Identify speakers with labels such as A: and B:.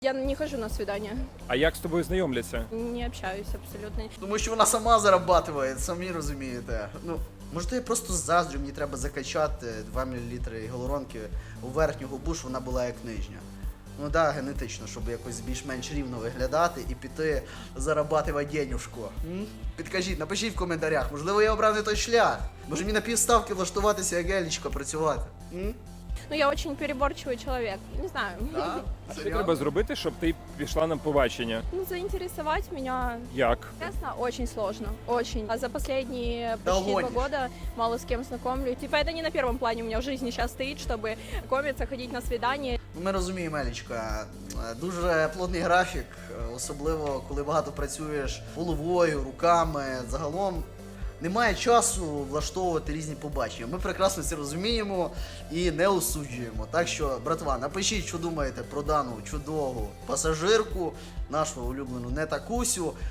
A: Я не хожу на свидания,
B: А як з тобою знайомляться?
A: не общаюсь абсолютно.
C: Тому що вона сама зарабатує, самі розумієте. Ну, може, я просто заздрю, мені треба закачати 2 мл гіалуронки у верхню губу, щоб вона була як нижня. Ну да, генетично, щоб якось більш-менш рівно виглядати і піти зарабатувати денюжку. Підкажіть, напишіть в коментарях, можливо, я обрав не той шлях. Може мені на півставки влаштуватися як гелічко працювати.
A: Ну, я очень переборчивый человек, не знаю.
C: Да?
B: Що треба зробити, щоб ти пішла на побачення?
A: Ну, заинтересовать меня,
B: Як?
A: честно, очень сложно, очень. А за последние почти 2
C: гонишь.
A: года мало с кем знакомлюсь. Типа, это не на первом плане у меня в жизни сейчас стоит, чтобы знакомиться, ходить на свидания.
C: Ми розуміємо, Елічка, дуже плотний графік, особливо коли багато працюєш головою, руками, загалом немає часу влаштовувати різні побачення. Ми прекрасно це розуміємо і не осуджуємо. Так що, братва, напишіть, що думаєте про дану чудову пасажирку, нашу улюблену Нетакусю.